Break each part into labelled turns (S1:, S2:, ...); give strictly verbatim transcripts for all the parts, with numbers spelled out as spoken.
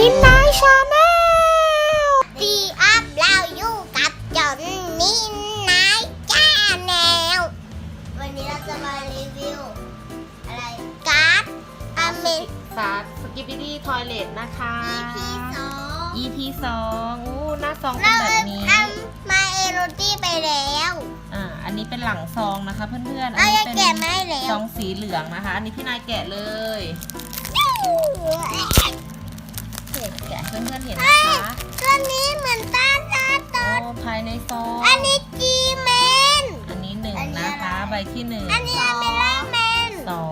S1: นินนายชาแนล
S2: ดีอัพเราอยู่กับจอนนินนายชาแนลวันนี้เราจะมารีวิวอะไรการ์ดอเมริ
S1: สาสกิปปี้ดี้ทอยเลทนะคะ
S2: อี พี สอง
S1: อี พี สองอู้หน้าซองเป็นแบบนี้
S2: เราทำมาเอโรตี้ไปแล้ว
S1: อ่าอันนี้เป็นหลังซองนะคะเพื่อนๆอั
S2: เรา
S1: นี้
S2: จะ
S1: เป็น
S2: แกะมาให้แล้
S1: ซ
S2: ว
S1: องสีเหลืองนะคะ อันนี้พี่นายแกะเลยแกะให้เพื่อนๆเห็นนะคะ
S2: ตัวนี้เหมือนตาตาต
S1: โอ้
S2: อน
S1: ภายในซอง
S2: อันนี้จีแมน
S1: อันนี้หนึ่ง
S2: อันนี้
S1: นะคะ
S2: อะไร
S1: ใบที่หนึ่ง
S2: อันนี้อเมล่าแมน
S1: สอง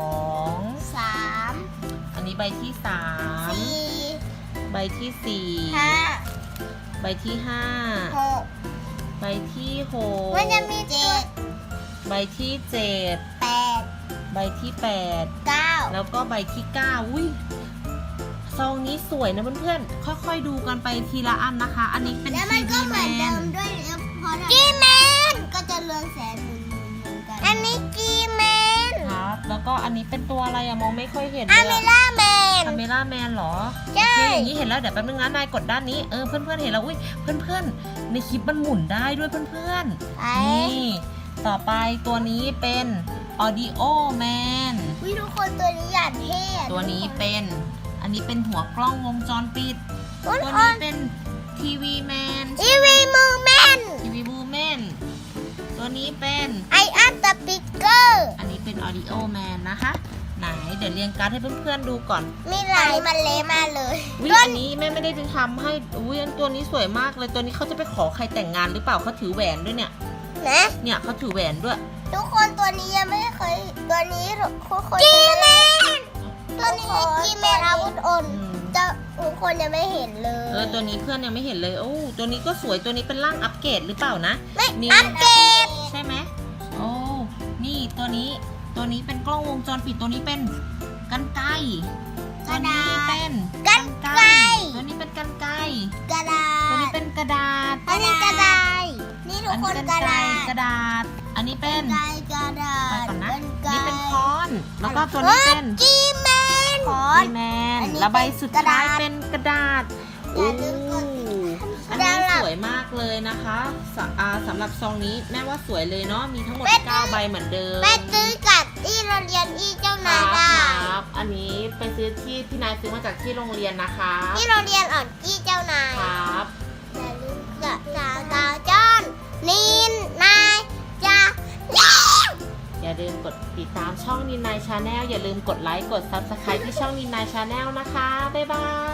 S2: สาม
S1: อันนี้ใบที่สาม
S2: สี่
S1: ใบที่สี่
S2: ห้า
S1: ใบที่ห้า
S2: หก
S1: ใบที่หก
S2: มันจะมีเจ็ด
S1: ใบที่เจ็ด
S2: แปด
S1: ใบที่แปด
S2: เก้า
S1: แล้วก็ใบที่เก้าอุ้ยซองนี้สวยนะเพื่อนๆค่อยๆดูกันไปทีละอันนะคะ อันนี้เป็น
S2: แล้วมั
S1: ที
S2: นก็
S1: วี
S2: เห
S1: แม
S2: มือนเดิ
S1: น
S2: มด้วยแล้วพอจีแมนก็จะเรืองแสงเหมือนเหมือนกันอันนี้จีแมน
S1: ครับแล้วก็อันนี้เป็นตัวอะไรอะมองไม่ค่อยเห็น
S2: อ
S1: เลย
S2: เมล่าแมน
S1: อเมล่าแมนเหรอ
S2: ใช่
S1: โอเคอย่างนี้เห็นแล้วเดี๋ยวแป๊บนึงนะนายกดด้านนี้เออเพื่อนๆเห็นแล้วอุ้ยเพื่อนๆในคลิปมันหมุนได้ด้วยเพื่อนๆ
S2: ไอ้
S1: นี่ต่อไปตัวนี้เป็น Audio Man
S2: วิทุกคนตัวนี้อย่างเท่อะ
S1: ตัวนี้เป็น อันนี้เป็นหัวกล้องวงจรปิด
S2: ทุก
S1: ตัว
S2: ค
S1: นี้
S2: น
S1: เป็นทีวีแมน
S2: อีวีมูแมน
S1: ทีวีบูแมนตัวนี้เป็น
S2: ไออันสปิเกอร์
S1: อันนี้เป็น Audio Man นะคะ ไหนเดี๋ยวเรียงการ์ดให้เพื่อนๆดูก่อน
S2: มีหลายมันเละมากเลย
S1: วิอันนี้แม่ไม่ได้ทำให้อุ้ยอันตัวนี้สวยมากเลยตัวนี้เขาจะไปขอใครแต่งงานหรือเปล่าเขาถือแหวนด้วยเนี่ย
S2: นะ
S1: เนี่ยเขาถือแหวนด้วย
S2: ทุกคนตัวนี้ยังไม่เคยตัวนี้ทุกคนจีแมนตัวนี้จีแมนอาวุธอ่อน
S1: อืม
S2: จะทุกคนยังไม่เห็นเลย
S1: เออตัวนี้เพื่อนยังไม่เห็นเลยโอ้ตัวนี้ก็สวยตัวนี้เป็นร่างอัปเกรดหรือเปล่านะ
S2: ไม่
S1: มี
S2: อัปเกรด
S1: ใช่ไหมโอ้นี่ตัวนี้ตัวนี้เป็นกล้องวงจรปิดตัวนี้เป็นกันไกรตัวนี้เป็น
S2: กันไกร
S1: ตัวนี้เป็นกันไกร
S2: กระดา
S1: ตัวนี้
S2: ษ
S1: เป็นกระดาษ
S2: อันนี้กระดาษนี่ทุก
S1: อัน
S2: ค
S1: นี้
S2: น
S1: เป็น
S2: กระ
S1: ไกร
S2: ดาษ
S1: กระดาษ อันนี้เป็น
S2: กระกระดา
S1: ไป
S2: ษ
S1: ก่อนนะ
S2: กร
S1: นี่เป็นค้อนแล้วก็ตัวนี้เป็น
S2: จีแมนคอ
S1: ดี
S2: น
S1: แมน
S2: อันนี้
S1: แล้วใบสุด
S2: เป็นกระ
S1: ท้า
S2: ดาย ษ
S1: เป็นกระดาษ
S2: อ
S1: โอ้
S2: ย่าลืมกด
S1: อันนี้สวยมากเลยนะคะสะอ่าสำหรับซองนี้แม่ว่าสวยเลยเนาะมีทั้งหมดเก้าใบเหมือนเดิม
S2: ไปซื้อกับที่เราเรียนที่เจ้า
S1: คน
S2: าย
S1: รับ
S2: ได้
S1: ครับ อันนี้ไปซื้อที่พี่นายซื้อมาจากที่โรงเรียนนะคะ
S2: ที่เราเรียนอ่อนที่เจ้านาย
S1: ครับ
S2: อย่าลืมกับสาวสาวจอนนินนายจะเลี้ยง
S1: อย่าลืมกดติดตามช่องนินนายชาแนลอย่าลืมกดไลค์กดซับสไครต์ที่ช่องนินนายชาแนลนะคะบ๊ายบาย